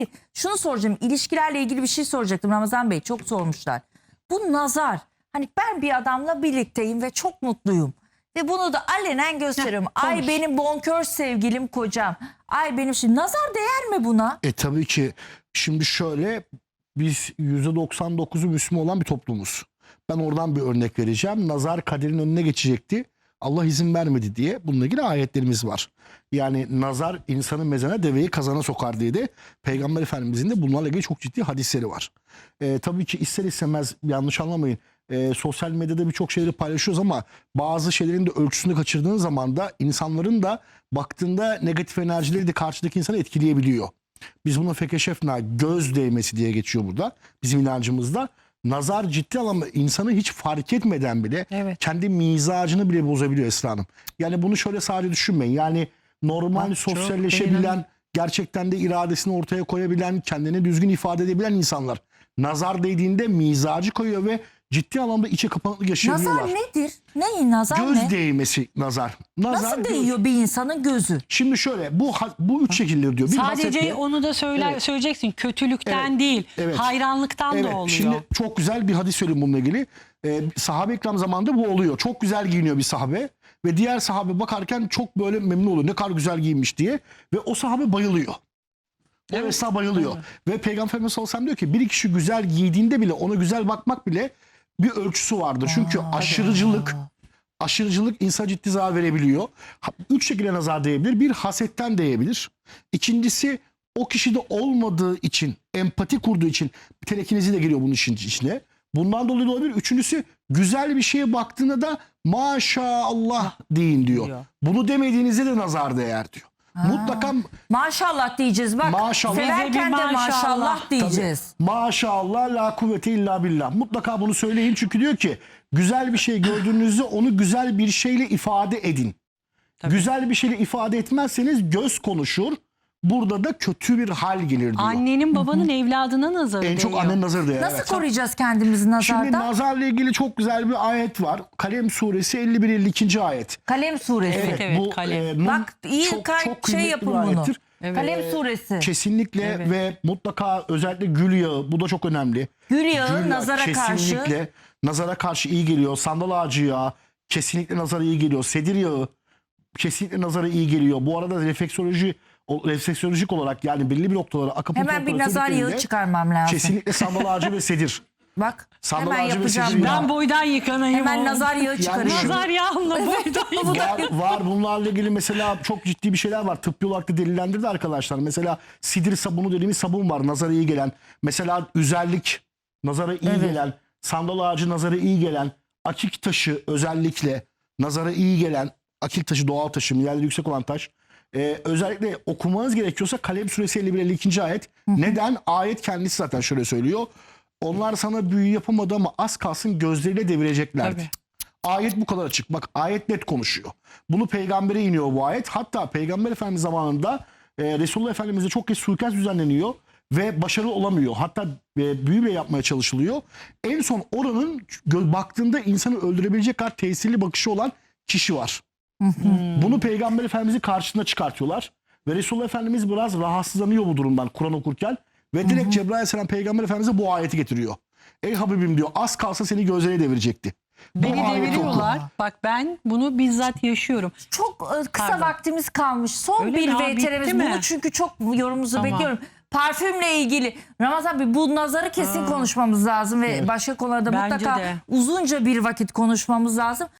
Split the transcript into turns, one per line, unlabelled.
Şunu soracağım, ilişkilerle ilgili bir şey soracaktım Ramazan Bey, çok sormuşlar. Bu nazar, hani ben bir adamla birlikteyim ve çok mutluyum. Ve bunu da alenen gösteriyorum. Ay benim bonkör sevgilim kocam. Ay benim şimdi nazar değer mi buna?
Tabii ki şimdi şöyle, biz %99'u Müslüman olan bir toplumuz. Ben oradan bir örnek vereceğim. Nazar kaderin önüne geçecekti. Allah izin vermedi diye bununla ilgili ayetlerimiz var. Yani nazar insanın mezana, deveyi kazana sokar diye de Peygamber Efendimizin de bunlarla ilgili çok ciddi hadisleri var. Tabii ki ister istemez, yanlış anlamayın, sosyal medyada birçok şeyleri paylaşıyoruz ama bazı şeylerin de ölçüsünü kaçırdığın zaman da insanların da baktığında negatif enerjileri de karşıdaki insanı etkileyebiliyor. Biz buna fekeşefna, göz değmesi diye geçiyor burada bizim inancımızda. Nazar ciddi anlamda insanı hiç fark etmeden bile kendi mizacını bile bozabiliyor Esra Hanım. Yani bunu şöyle sadece düşünmeyin. Yani normal sosyalleşebilen, gerçekten de iradesini ortaya koyabilen, kendini düzgün ifade edebilen insanlar nazar değdiğinde mizacı koyuyor ve ciddi anlamda içe kapanıklık yaşayabiliyorlar.
Nazar nedir? Neyin nazar
Göz
ne?
değmesi nazar.
Nasıl değiyor bir insanın gözü?
Şimdi şöyle, bu üç şekilde diyor. Bir
Sadece
hasetle,
onu da söyleyeceksin. Kötülükten değil, hayranlıktan da oluyor.
Şimdi çok güzel bir hadis söyleyeyim bununla ilgili. Sahabe-i ikram zamanında bu oluyor. Çok güzel giyiniyor bir sahabe ve diğer sahabe bakarken çok böyle memnun oluyor. Ne kadar güzel giyinmiş diye ve o sahabe bayılıyor. O esnaf bayılıyor. Ve Peygamber Efendimiz sallallahu aleyhi ve sellem diyor ki bir kişi güzel giydiğinde bile, ona güzel bakmak bile bir ölçüsü vardır. Çünkü aşırıcılık insana ciddi zarar verebiliyor. Üç şekilde nazar değebilir. Bir, hasetten değebilir. İkincisi, o kişide olmadığı için, empati kurduğu için, telekinezi de geliyor bunun işin içine. Bundan dolayı da olabilir. Üçüncüsü, güzel bir şeye baktığında da maşallah deyin diyor. Bunu demediğinizde de nazar değer diyor. Mutlaka
maşallah diyeceğiz bak.
Maşallah.
Severken de maşallah diyeceğiz.
Tabii, maşallah la kuvvete illa billah. Mutlaka bunu söyleyin çünkü diyor ki güzel bir şey gördüğünüzde onu güzel bir şeyle ifade edin. Güzel bir şeyle ifade etmezseniz göz konuşur. Burada da kötü bir hal gelir diyor.
Annenin babanın evladına nazarı
En çok
değiyor.
annenin nazarı değer.
Nasıl koruyacağız kendimizi nazardan?
Şimdi nazarla ilgili çok güzel bir ayet var. Kalem suresi 51-52. ayet.
Kalem suresi.
Evet,
bu
kalem.
Bak iyi
çok
şey yapın
bir
bunu.
ayettir.
Kalem suresi.
Kesinlikle ve mutlaka özellikle gül yağı, bu da çok önemli.
Gül yağı nazara karşı.
Kesinlikle nazara karşı iyi geliyor. Sandal ağacı yağı kesinlikle nazara iyi geliyor. Sedir yağı kesinlikle nazara iyi geliyor. Bu arada refleksolojik olarak, yani belli bir noktalara akupunktur
Hemen bir nazar yağı çıkarmam lazım.
kesinlikle sandal ağacı ve sedir.
Bak
Sandal
hemen
ağacı ve
yapacağım.
sedir
Ben boydan yıkanayım.
Hemen nazar yağı çıkarıyorum.
Nazar yağımla boydan
var bunlarla ilgili mesela çok ciddi bir şeyler var. Tıbbi olarak da delillendirdi arkadaşlar. Mesela sidir sabunu dediğimiz sabun var, nazara iyi gelen. Mesela üzerlik nazara iyi gelen. Sandal ağacı nazara iyi gelen. Akik taşı özellikle nazara iyi gelen. Akik taşı doğal taşı, mineralleri yüksek olan taş. Özellikle okumanız gerekiyorsa Kalem suresi 51-52. ayet. Neden? Ayet kendisi zaten şöyle söylüyor. Onlar sana büyü yapamadı ama az kalsın gözleriyle devireceklerdi. Ayet bu kadar açık. Bak, ayet net konuşuyor. Bunu peygambere iniyor bu ayet. Hatta Peygamber Efendimiz zamanında Resulullah Efendimiz'e çok kez suikast düzenleniyor ve başarılı olamıyor. Hatta büyü bile yapmaya çalışılıyor. En son oranın baktığında insanı öldürebilecek kadar tesirli bakışı olan kişi var. Bunu Peygamber Efendimiz'i karşısına çıkartıyorlar. Ve Resulullah Efendimiz biraz rahatsızlanıyor bu durumdan Kur'an okurken. Ve direkt Cebrail Aleyhisselam Peygamber Efendimiz'e bu ayeti getiriyor. Ey Habibim diyor, az kalsa seni gözlerine devirecekti.
Beni deviriyorlar. Bak ben bunu bizzat yaşıyorum.
Çok kısa vaktimiz kalmış. Son
Öyle
bir
mi?
VTR'miz.
Bitti mi?
Bunu çünkü çok yorumunuzu bekliyorum. Parfümle ilgili Ramazan Bey, bu nazarı kesin konuşmamız lazım ve başka konularda
Bence
mutlaka
de.
uzunca bir vakit konuşmamız lazım.